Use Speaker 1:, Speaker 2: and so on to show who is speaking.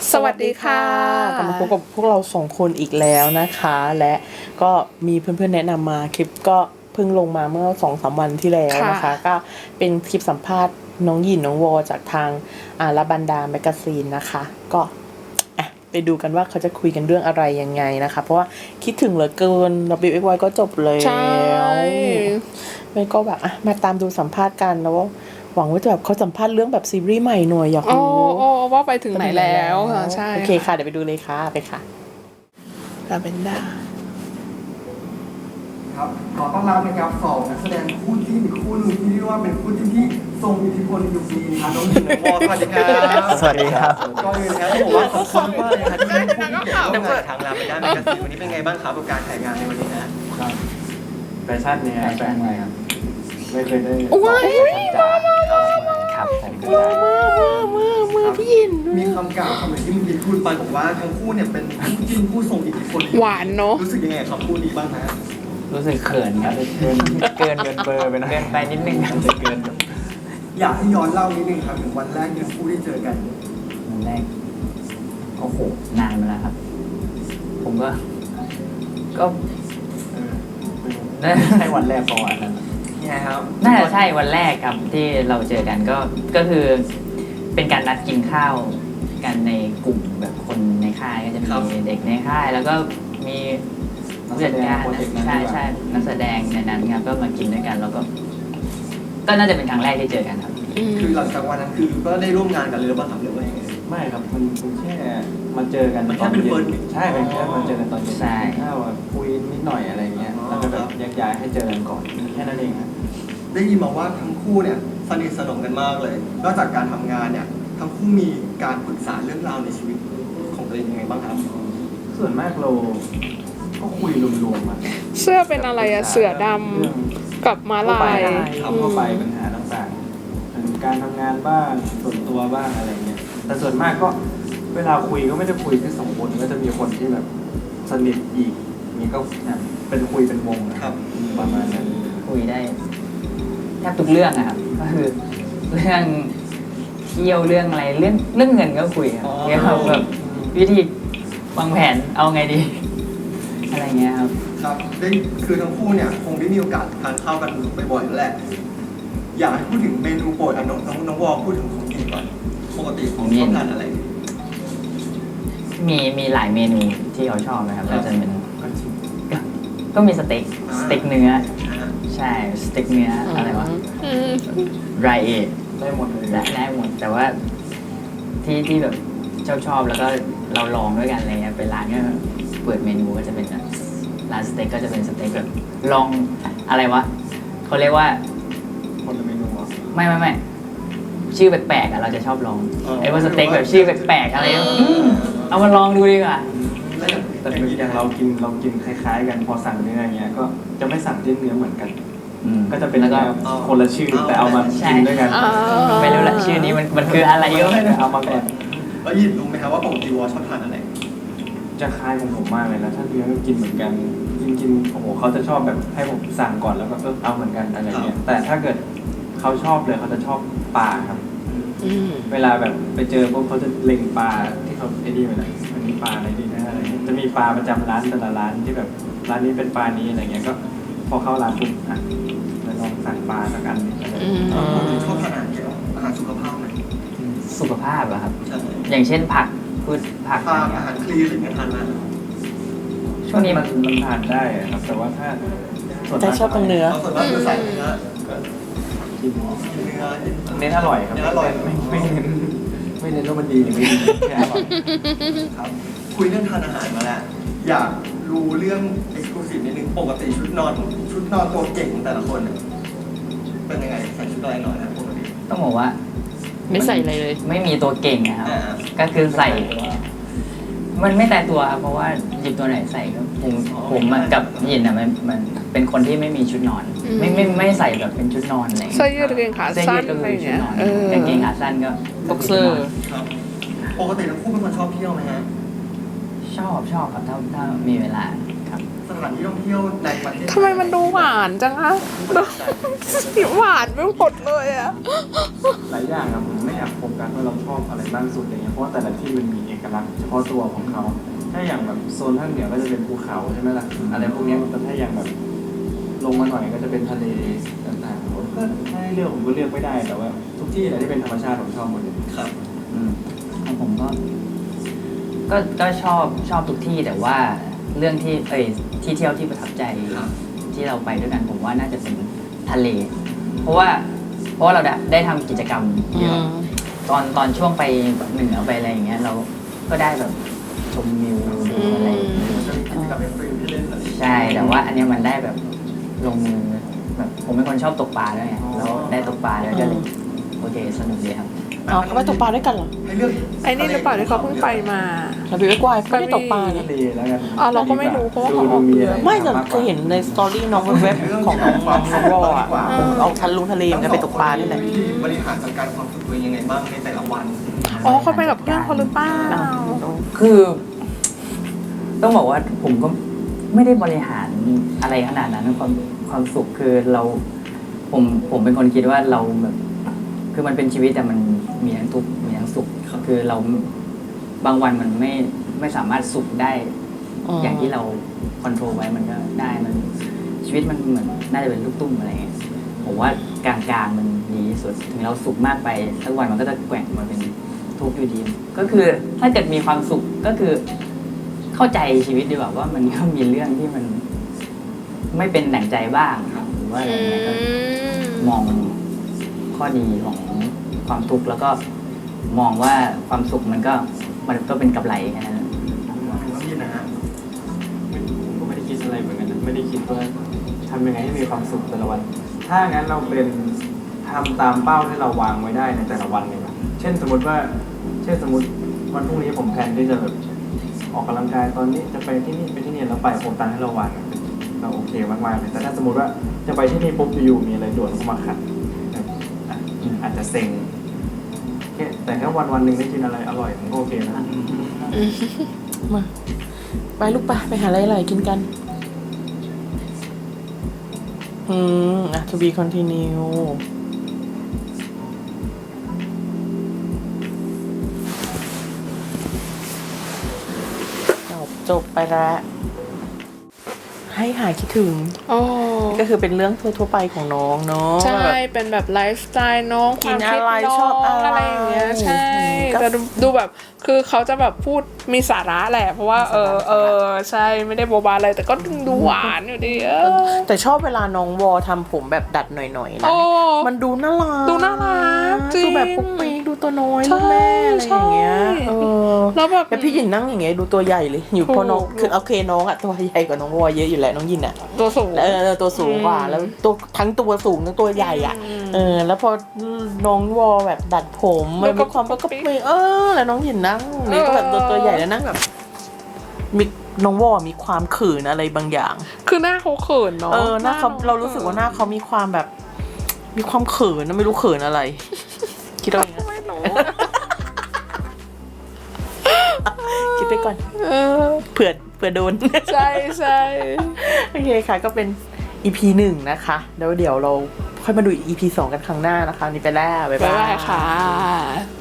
Speaker 1: สวัสดีค่ะ
Speaker 2: กลับมาพบกับพวกเรา2คนอีกแล้วนะคะ และก็มีเพื่อนๆแนะนำมาคลิปก็เพิ่งลงมาเมื่อ 2-3 วันที่แล้วนะคะก็เป็นคลิปสัมภาษณ์น้องหยินน้องวอจากทางลาบันดาแมกกาซีนนะคะก็ไปดูกันว่าเขาจะคุยกันเรื่องอะไรยังไงนะคะเพราะว่าคิดถึงเหลือเกิน WXY ก็จบแล้วไม่ก็แบบมาตามดูสัมภาษณ์กันแล้วหวังว่าจะแบบเขาสัมภาษณ์เรื่องแบบซีรีส์ใหม่หน่อยอยากรู้
Speaker 1: ว่าไปถึงไหนแล้วค่ะใช่
Speaker 2: โอเคค่ะเดี๋ยวไปดูเลยค่ะไปค่ะลาเวนด้า
Speaker 3: ครับขอต้อนรับนะครับสองนักแสดงคู่จิ้นอีกคู่หนึงที่เรียกว่าเป็นคู่จิ้นที่ทรงอิทธิพลในยุคนี้นะครับน้องหญิงน้องวอสวัสดีครับ
Speaker 4: สวัสดีครับ
Speaker 3: ก็เลยนะครับผมว่าขอบคุณมากเลยครับที่ได้พูดเกี่ยวกับงานทางลาไปด้านแมกกาซีนวันนี้เป็นไงบ้างครับกับการถ่ายงานในวันนี้นะครับ
Speaker 4: แฟชั่นเนี่ยแฟนใหม่ครับไม่เคยได้
Speaker 1: ว้าย
Speaker 4: ครับผม
Speaker 2: มาพี่ยิน
Speaker 3: มีคำกล่าวคำหนึ่งที่เมื่อกี้พูดไปบอกว่าทั้งคู่เนี่ยเป็นคู่จิ้นผู้ทรงอิทธิพล
Speaker 1: หวานเนาะ
Speaker 3: รู้สึกยังไงกับคำพูดนี้บ้างนะ
Speaker 4: รู้สึกเขินครับเกินเบอร์ไปนะเกินไปนิดนึงครับเกิน
Speaker 3: อยากให้ย้อนเล่านิดนึงครับถึงวันแรกที่ทั้งคู่ได้เจอกัน
Speaker 4: วันแรกโอ้โหนานมาแล้วครับ ผมก็น่าใช่วันแรกประวัตินั้น
Speaker 3: ไงครับ
Speaker 5: น่าจะใช่วันแรกครับที่เราเจอกันก็คือเป็นการนัดกินข้าวกันในกลุ่มแบบคนในค่ายก็จะมีเด็กในค่าย แล้วก็มีผู้จัดการใช่นักแสดงในนั้นครับก็มากินด้วยกันแล้วก็น่าจะเป็นครั้งแรกที่เจอกันครับ
Speaker 3: คือหลังจากวันนั้นคือก็ได้ร่วมงานกันเลยหรือเปล่าครับหรือว่ายังไง
Speaker 4: ไม่ครับมันแค่มาเจอกัน
Speaker 3: มันแค่
Speaker 4: ตอน
Speaker 3: เป็น
Speaker 4: เย็
Speaker 3: เฟิร์
Speaker 4: น
Speaker 3: ส
Speaker 4: ใช่เป็นแค่มาเจอกันตอนเย็น
Speaker 5: ใช่
Speaker 4: ข้าวคุยนิดหน่อยอะไรเงี้ยแล้วก็แบบแยกย้ายให้เจอกันก่อนแค่นั้นเองครับ
Speaker 3: ได้ยินมาว่าทั้งคู่เนี่ยสนิทสนมกันมากเลย นอกจากการทำงานเนี่ยทั้งคู่มีการปรึกษาเรื่องราวในชีวิตของตัวเองยังไงบ้างครับ
Speaker 4: ส่วนมากเราก็คุยรวมๆมา
Speaker 1: เสื้อเป็นอะไรอะเสือดำกับม้าลาย
Speaker 4: เข้าไปปัญหาต่างๆถึงการทำงานบ้างส่วนตัวบ้างอะไรเงี้ยแต่ส่วนมากก็เวลาคุยก็ไม่ได้คุยแค่สองคนก็จะมีคนที่แบบสนิทอีกนี่ก็เป็นคุยเป็นวงนะครับประมาณนั้น
Speaker 5: คุยได้แทบทุกเรื่องนะครับก็คือเรื่องเที่ยวเรื่องอะไรเรื่องเงินก็คุยครับเกี่ยวกับแบบวิธีวางแผนเอาไงดี อะไรเงี้ยครับ
Speaker 3: ครับได้คือทั้งคู่เนี่ยคงได้มีโอกาสทานข้าวกันบ่อยๆแล้วแหละอยากให้พูดถึงเมนูโปรดน้องวอลพูดถึงของกินก่อนปกติของชอบทานอะไร
Speaker 5: มีหลายเมนูที่เขาชอบนะครับก็จะเป็น
Speaker 4: ก็ชิม
Speaker 5: ก็มีสเต็กเนื้อใช่สเต็กเนื้ออะไรวะไรเอท
Speaker 4: ได้หมดเลย
Speaker 5: ได้หมดแต่ว่าที่แบบชอบแล้วก็เราลองด้วยกันอะไรเงี้ยไปร้านก็เปิดเมนูก็จะเป็นร้านสเต็กก็จะเป็นสเต็กแบบลองอะไรวะเขาเรียกว่า
Speaker 4: คนละเมนูอ่ะ
Speaker 5: ไม่ชื่อแปลกๆอ่ะเราจะชอบลองไอ้ว่าสเต็กแบบชื่อแปลกๆอะไรเอามาลองดูดีกว่า
Speaker 3: แล้วอย่าง
Speaker 4: แต่อย่างเรากินคล้ายๆกันพอสั่งเนื้ออย่างเงี้ยก็จะไม่สั่งที่เนื้อเหมือนกัน ก็จะเป็น
Speaker 5: แล้วก็
Speaker 4: คนละชื่อแต่เอามากินด้วยกัน
Speaker 5: ไม่รู้ละชื่อนี้มันคืออะไรก็ไม่รู้
Speaker 4: เอามาก่อน
Speaker 3: แล้วยินรู้ไหมครับว่าปกติวอลชอบทานอะไร
Speaker 4: จะคล้ายของผมมากเลยนะถ้าเนื้อก็กินเหมือนกันกินโอ้โหเขาจะชอบแบบให้ผมสั่งก่อนแล้วก็เอาเหมือนกันอะไรเงี้ยแต่ถ้าเกิดเขาชอบเลยเขาจะชอบปลาครับเวลาแบบไปเจอพวกเขาจะเล็งปลาที่เขาไอ้นี่ไปเลยมันมีปลาอะไรดีนะอะไรเงี้ยจะมีปลาประจำร้านแต่ละร้านที่แบบร้านนี้เป็นปลานี้อะไรเงี้ยก็พอเข้าร้านปุ๊บแล้วลองสั่งปลาสักอันนึงอะไร
Speaker 3: ปกติชอบทานอาหารเกี่ยวกับอาหารสุขภาพไหม
Speaker 5: สุขภาพอะครับ
Speaker 3: ใช่
Speaker 5: อย่างเช่นผักพืชผัก
Speaker 3: ทา
Speaker 5: อะไร
Speaker 3: น
Speaker 5: เงี้
Speaker 3: อาย หารคลีนอะไรอย่างเงี้ยทานมา
Speaker 5: ช่วงนี้
Speaker 4: มันทานได้ครับแต่ว่าถ้าส่วน
Speaker 2: แต่
Speaker 4: มาก
Speaker 2: ชอบตรงเนื้อ
Speaker 3: เราส่วนมากจะใส่เนื้อ
Speaker 4: ก็กิน
Speaker 3: เนื้อ
Speaker 4: เน้นอร่อยครับ
Speaker 3: เน้นอร่อย
Speaker 4: ไม่เน้นว่ามันดีหรือไม่ดีแค่อร่อย
Speaker 3: ครับคุยเรื่องทานอาหารมาแล้วอยากรู้เรื่องเอ็กซ์คลูซีฟนิดนึงปกติชุดนอนตัวเก่งของแต่ละคนเนี่ยเป็นยังไงใส่ชุดอะไรนอนนะปกติ
Speaker 5: ต้องบอกว่า
Speaker 1: ไม่ใส่อะไรเลย
Speaker 5: ไม่มีตัวเก่งนะครับ
Speaker 3: อ่า
Speaker 5: ก็คือใส่ มันไม่แต่ตัวครับเพราะว่าหยิบตัวไหนใส่ก็ผมอะกับหยินอะมันเป็นคนที่ไม่มีชุดนอน ไม่ใส่แบบเป็นชุดนอนอะไร
Speaker 1: เสื้อยืดกางเกงขาสั้น
Speaker 5: ก็
Speaker 1: อะไร
Speaker 5: คือชุ
Speaker 1: เงี้
Speaker 5: ด
Speaker 1: ย
Speaker 5: นอนกางเกงขาสั้นก็
Speaker 1: บ็อกเซอร์
Speaker 3: ครับปกติทั้งคู่เป็นคนชอบเที่ยวไหมฮะ
Speaker 5: ชอบครับถ้ามีเวลาครับ
Speaker 3: สถานที่ท่องเที่ยวในประเทศ
Speaker 1: ทำไมมันดูหวานจังอะหวานไปหมดเลยอะ
Speaker 4: หลายอย่างอะผมไม่อยากโฟกัสว่าเราชอบอะไรบ้างสุดอะไรเงี้ยเพราะว่าแต่ละที่มันมีเอกลักษณ์เฉพาะตัวของเขาถ้าอย่างแบบโซนภาคเหนือก็จะเป็นภูเขาใช่ไหมล่ะอะไรพวกเนี้ยแต่ถ้าอย่างแบบลงมาหน่อยก็จะเป็นทะเลต่างๆผมก็ถ้าให้เลือกผมก็เลือกไม่ได้แต่ว่าทุกที่แหละที่เป็นธรรมชาติผมชอบหมดเลย
Speaker 3: ครับ
Speaker 5: ของผมก็ชอบทุกที่แต่ว่าเรื่องที่ที่เที่ยวที่ประทับใจ
Speaker 3: ครับ
Speaker 5: ที่เราไปด้วยกันผมว่าน่าจะเป็นทะเล เพราะว่าเราได้ทำกิจกรรมเยอะตอนช่วงไปเหนือไปอะไรอย่างเงี้ยเราก็ได้แบบชมวิวดูอะไรอย่างเงี้ย
Speaker 3: มันจะมีกิจกรรมเป็นฟิลที่เล่นอะไร
Speaker 5: ใช่แต่ว่าอันเนี้ยมันได้แบบลงมือแบบผมเป็นคนชอบตกปลาด้วยไงแล้วได้ตกปลาแล้วก็เลยโอเคสนุกดีครับ
Speaker 2: อ๋อเขาไปตกปลาด้วยกันเหรอ
Speaker 3: ให้เลือก
Speaker 1: ไอ้นี่หรือเปล่าที่เขาเพิ่งไปมา
Speaker 2: เราดูไอ้กวายไม่ได้ตกปลา
Speaker 4: ทะ
Speaker 2: เนี่ย
Speaker 4: เลแล้วกัน
Speaker 1: อ๋อเราก็ไม่รู้เพราะว่าเขาออก
Speaker 4: มี
Speaker 1: เย
Speaker 4: อะไร
Speaker 1: อะ
Speaker 2: ไม่แต่เคยเห็นในสตอรี่น้องเว็บของน้องวออ่ะเอาทะเลมันก็ไปตกปลานี่แหละ
Speaker 3: วิธีบริหารจัดการความสุขตัวเองยังไงบ้างในแต่ละวัน
Speaker 1: อ๋อเขาไปกับเพื่อนเขาหรือเปล่า
Speaker 5: คือต้องบอกว่าผมก็ไม่ได้บริหารอะไรขนาดนั้นความสุขคือผมเป็นคนคิดว่าเราแบบคือมันเป็นชีวิตแต่มันมีทั้งทุกข์มีทั้งสุขคือเราบางวันมันไม่สามารถสุขได้อย่างที่เราคอนโทรลไว้มันก็ได้มันชีวิตมันเหมือนน่าจะเป็นลูกตุ้มอะไรเงี้ยผมว่ากลางๆมันดีที่สุดถึงเราสุขมากไปสักวันมันก็จะแกว่งมาเป็นทุกข์อยู่ดีก็คือถ้าเกิดมีความสุขก็คือเข้าใจชีวิตดีกว่าว่ามันก็มีเรื่องที่มันไม่เป็นดั่งใจบ้างหรือว่าอะไรเงี้ยก็มองข้อดีของความทุกข์แล้วก็มองว่าความสุขมันก็เป็นกำไรแค่นั้น
Speaker 3: แล้วพี่นะฮะ
Speaker 4: ผมก็ไม่ได้คิดอะไรเหมือนกันนะไม่ได้คิดว่าทำยังไงให้มีความสุขแต่ละวัน ถ้างั้นเราเป็นทำตามเป้าที่เราวางไว้ได้ในแต่ละวันเลยนะเช่นสมมติวันพรุ่งนี้ผมแพลนที่จะแบบออกกำลังกายตอนนี้จะไปที่นี่ไปที่นี่แล้วไปโครงการที่เราวางเราโอเคมากๆเลยแต่ถ้าสมมติว่าจะไปที่นี่ปุ๊บอยู่ๆมีอะไรด่วนเข้ามาขัดอาจจะเซ็งแต่ถ้าวันหนึ่งได้กินอะไรอร่อยผมก็โอเคนะ
Speaker 2: มาไปลูกไปหาอะไรๆกินกันto be continue จบไปแล้วให้หายคิดถึง
Speaker 1: อ๋อ
Speaker 2: ก็คือเป็นเรื่องทั่วๆไปของน้องเนาะ
Speaker 1: ใช่
Speaker 2: แบบ
Speaker 1: เป็นแบบไลฟ์สไตล์น้องความคิด
Speaker 2: กินอะไร
Speaker 1: น้
Speaker 2: ช
Speaker 1: อ
Speaker 2: อบ
Speaker 1: ง
Speaker 2: อะไร
Speaker 1: อะไรอย่างเงี้ยใช่
Speaker 2: ก็
Speaker 1: แต่ดูแบบคือเขาจะแบบพูดมีสาระแหละ เพราะว่าใช่ไม่ได้โบบาอะไรแต่ก็ดูหวานอยู่ดี
Speaker 2: แต่ชอบเวลาน้องวอทำผมแบบดัดหน่อยๆนะ
Speaker 1: โอ้
Speaker 2: มันดูน่ารัก
Speaker 1: ดูน่ารักจริง
Speaker 2: ดูแบบปุ๊กปิ๊กดูตัวน้อย
Speaker 1: ใช่
Speaker 2: ลูกแม่อะไรอย่างเงี้ย
Speaker 1: ใช่ แล้วแบบ
Speaker 2: แต่พี่หยินนั่งอย่างเงี้ยดูตัวใหญ่เลยอยู่
Speaker 1: ถูก
Speaker 2: เพราะน้องคือโอเคน้องอะตัวใหญ่กว่าน้องวอเยอะอยู่แล้วน้องหยินอะ
Speaker 1: ตัวสูง
Speaker 2: ตัวสูงกว่าแล้วตัวทั้งตัวสูงทั้งตัวใหญ่อะแล้วพอน้องวอแบบดัดผมมันมีความก็ปิ๊กแล้วน้องหยินนั่งนี่ก็แบบตัวใหญ่แล้วนั่งแบบมีน้องวอมีความเขินอะไรบางอย่าง
Speaker 1: คือหน้าเขาเขินเนาะ
Speaker 2: หน้าเขาเรารู้สึกว่าหน้าเขามีความแบบมีความเขินนะไม่รู้เขินอะไร คิดเอาเองนะ
Speaker 1: ไม่รู้
Speaker 2: คิดไปก่อนเผื่อโดน
Speaker 1: ใช่ใช่
Speaker 2: โอเคค่ะก็เป็น EP 1 นะคะแล้วเดี๋ยวเราค่อยมาดู EP 2 กันครั้งหน้านะคะนี่ไปแล้วบ๊าย
Speaker 1: บ๊าย
Speaker 2: บา
Speaker 1: บาย ยค่ะ